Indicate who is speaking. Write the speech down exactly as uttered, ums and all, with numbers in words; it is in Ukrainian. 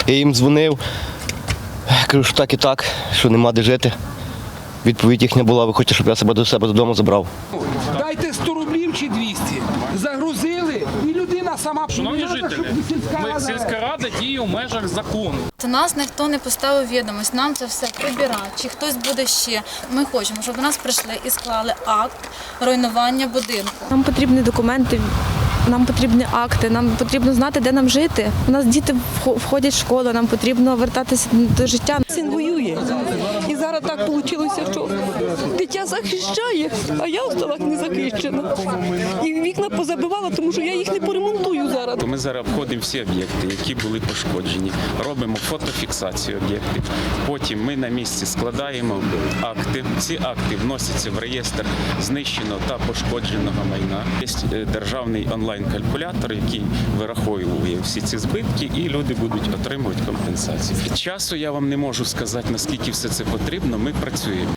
Speaker 1: Я їм дзвонив, кажу, що так і так, що нема де жити. Відповідь їхня була, ви хочете, щоб я себе до себе додому забрав.
Speaker 2: Дайте сто рублів чи двісті. Загрузили, і людина сама...
Speaker 3: Шановні жителі, ми, сільська рада діє у межах закону.
Speaker 4: До нас ніхто не поставив відомість, нам це все прибирати, чи хтось буде ще. Ми хочемо, щоб до нас прийшли і склали акт руйнування будинку.
Speaker 5: Нам потрібні документи, нам потрібні акти, нам потрібно знати, де нам жити. У нас діти входять в школу, нам потрібно вертатися до життя.
Speaker 6: Син воює. І зараз так вийшло, що дитя захищає, а я осталась не захищена. І вікна позабивала, тому що я їх не поремонтую зараз.
Speaker 7: Ми зараз обходимо всі об'єкти, які були пошкоджені, робимо фотофіксацію об'єктів. Потім ми на місці складаємо акти. Ці акти вносяться в реєстр знищеного та пошкодженого майна. Є державний онлайн-калькулятор, який вираховує всі ці збитки, і люди будуть отримувати компенсацію. Часу я вам не можу сказати, наскільки все це потрібно. Ми працюємо.